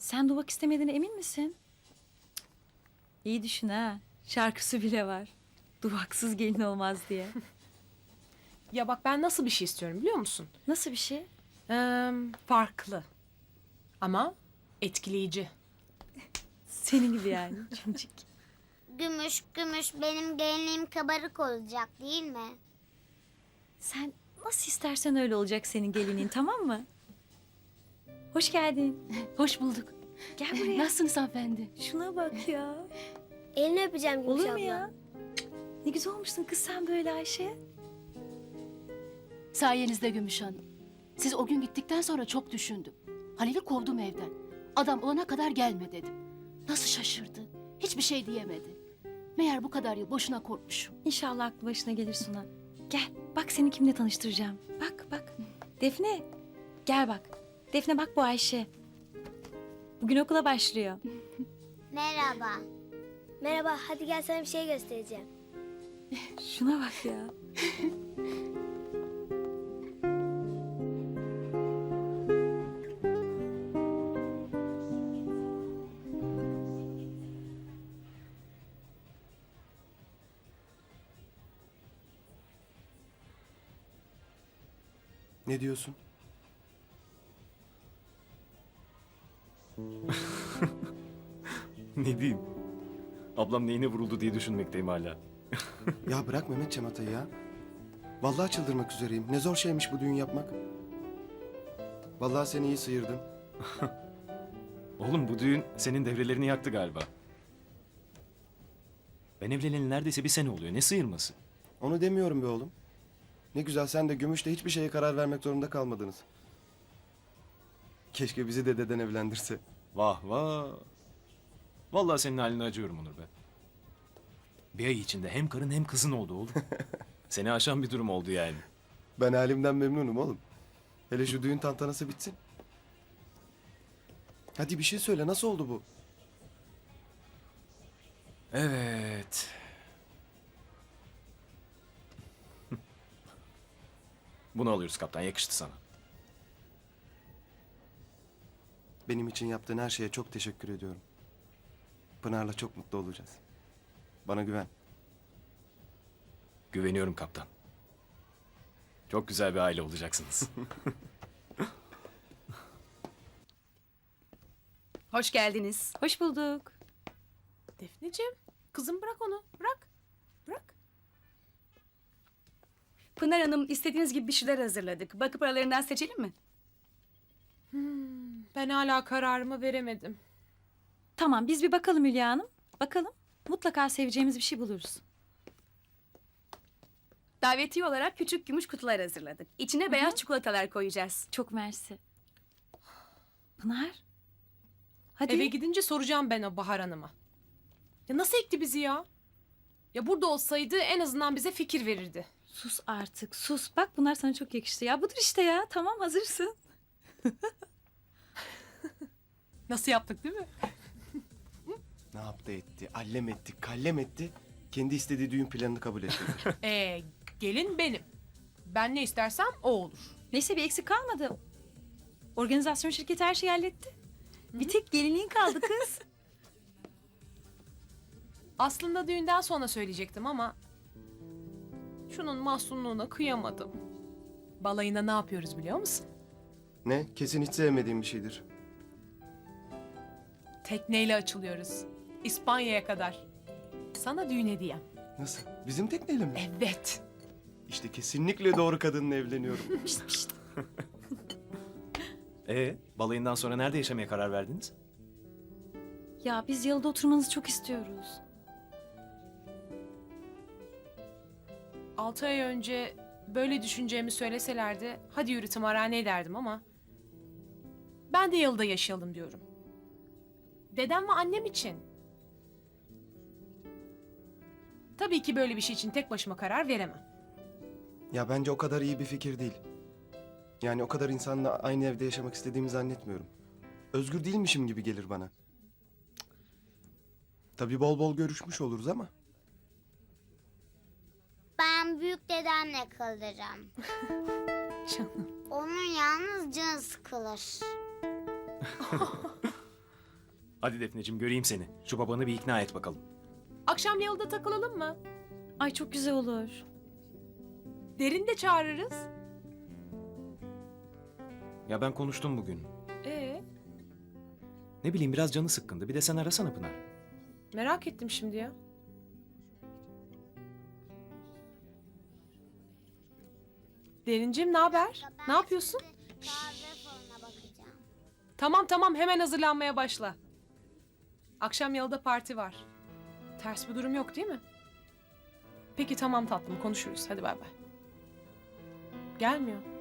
Sen duvak istemediğine emin misin? İyi düşün ha. Şarkısı bile var. Duvaksız gelin olmaz diye. Ya bak ben nasıl bir şey istiyorum biliyor musun? Nasıl bir şey? Farklı. Ama etkileyici. Senin gibi yani. Cimcik. Gümüş, gümüş benim gelinliğim kabarık olacak değil mi? Sen nasıl istersen öyle olacak senin gelinin, tamam mı? Hoş geldin. Hoş bulduk. Gel buraya. Nasılsınız hanımefendi? Şuna bak ya. Elini öpeceğim Gümüş Olur abla. mu ya? Ne güzel olmuşsun kız sen böyle Ayşe. Sayenizde Gümüş Hanım. Siz o gün gittikten sonra çok düşündüm. Halil'i kovdum evden. Adam olana kadar gelme dedim. Nasıl şaşırdı. Hiçbir şey diyemedi. Meğer bu kadar yıl boşuna korkmuşum. İnşallah aklı başına gelir Suna. Gel bak seni kimle tanıştıracağım. Bak bak. Defne gel bak. Defne bak bu Ayşe. Bugün okula başlıyor. Merhaba. Merhaba, hadi gel sana bir şey göstereceğim. Şuna bak ya. Ne diyorsun? Ne diyeyim? Ablam neyine vuruldu diye düşünmekteyim hala. Ya bırak Mehmet Cemata'yı ya. Vallahi çıldırmak üzereyim. Ne zor şeymiş bu düğün yapmak. Vallahi seni iyi sıyırdım. Oğlum bu düğün senin devrelerini yaktı galiba. Ben evleneli neredeyse bir sene oluyor. Ne sıyırması? Onu demiyorum be oğlum. Ne güzel sen de Gümüş'le hiçbir şeye karar vermek zorunda kalmadınız. Keşke bizi de deden evlendirse. Vah vah. Vallahi senin haline acıyorum Onur be. Bir ay içinde hem karın hem kızın oldu oğlum. Seni aşan bir durum oldu yani. Ben halimden memnunum oğlum. Hele şu düğün tantanası bitsin. Hadi bir şey söyle, nasıl oldu bu? Evet. Bunu alıyoruz kaptan. Yakıştı sana. Benim için yaptığın her şeye çok teşekkür ediyorum. Pınar'la çok mutlu olacağız. Bana güven. Güveniyorum kaptan. Çok güzel bir aile olacaksınız. Hoş geldiniz. Hoş bulduk. Defneciğim, kızım bırak onu. Bırak. Bırak. Pınar Hanım istediğiniz gibi bir şeyler hazırladık. Bakıp aralarından seçelim mi? Ben hala kararımı veremedim. Tamam biz bir bakalım Hülya Hanım. Bakalım. Mutlaka seveceğimiz bir şey buluruz. Davetiye olarak küçük gümüş kutular hazırladık. İçine beyaz çikolatalar koyacağız. Çok mersi. Pınar. Hadi. Eve gidince soracağım ben o Bahar Hanım'a. Ya nasıl ekti bizi ya? Ya burada olsaydı en azından bize fikir verirdi. Sus artık sus. Bak bunlar sana çok yakıştı ya. Budur işte ya. Tamam hazırsın. Nasıl yaptık değil mi? Ne yaptı etti, allem etti, kallem etti. Kendi istediği düğün planını kabul etti. Gelin benim. Ben ne istersem o olur. Neyse bir eksik kalmadı. Organizasyon şirketi her şeyi halletti. Bir tek gelinliğin kaldı kız. Aslında düğünden sonra söyleyecektim ama... Şunun mahzunluğuna kıyamadım. Balayına ne yapıyoruz biliyor musun? Ne? Kesin hiç sevmediğim bir şeydir. Tekneyle açılıyoruz. İspanya'ya kadar. Sana düğün hediyem. Nasıl? Bizim tekneyle mi? Evet. İşte kesinlikle doğru kadınla evleniyorum. Balayından sonra nerede yaşamaya karar verdiniz? Ya biz yalıda oturmanızı çok istiyoruz. 6 ay önce böyle düşüneceğimi söyleselerdi hadi yürü tımarhane derdim ama ben de yalıda yaşayalım diyorum. Dedem ve annem için. Tabii ki böyle bir şey için tek başıma karar veremem. Ya bence o kadar iyi bir fikir değil. Yani o kadar insanla aynı evde yaşamak istediğimi zannetmiyorum. Özgür değilmişim gibi gelir bana. Cık. Tabii bol bol görüşmüş oluruz ama. Ben büyük dedemle kalacağım. Canım. Onun yalnız canı sıkılır. Hadi Defneciğim göreyim seni. Şu babanı bir ikna et bakalım. Akşam yalıda takılalım mı? Ay çok güzel olur. Derin de çağırırız. Ya ben konuştum bugün. Ee, Ne bileyim biraz canı sıkkındı. Bir de sen arasana Pınar. merak ettim şimdi ya. Derincim ne haber? Ne yapıyorsun? Kahve falına bakacağım. Tamam tamam hemen hazırlanmaya başla. Akşam yalıda parti var. Ters bir durum yok değil mi? Peki tamam tatlım konuşuruz. Hadi bay bay. Gelmiyor.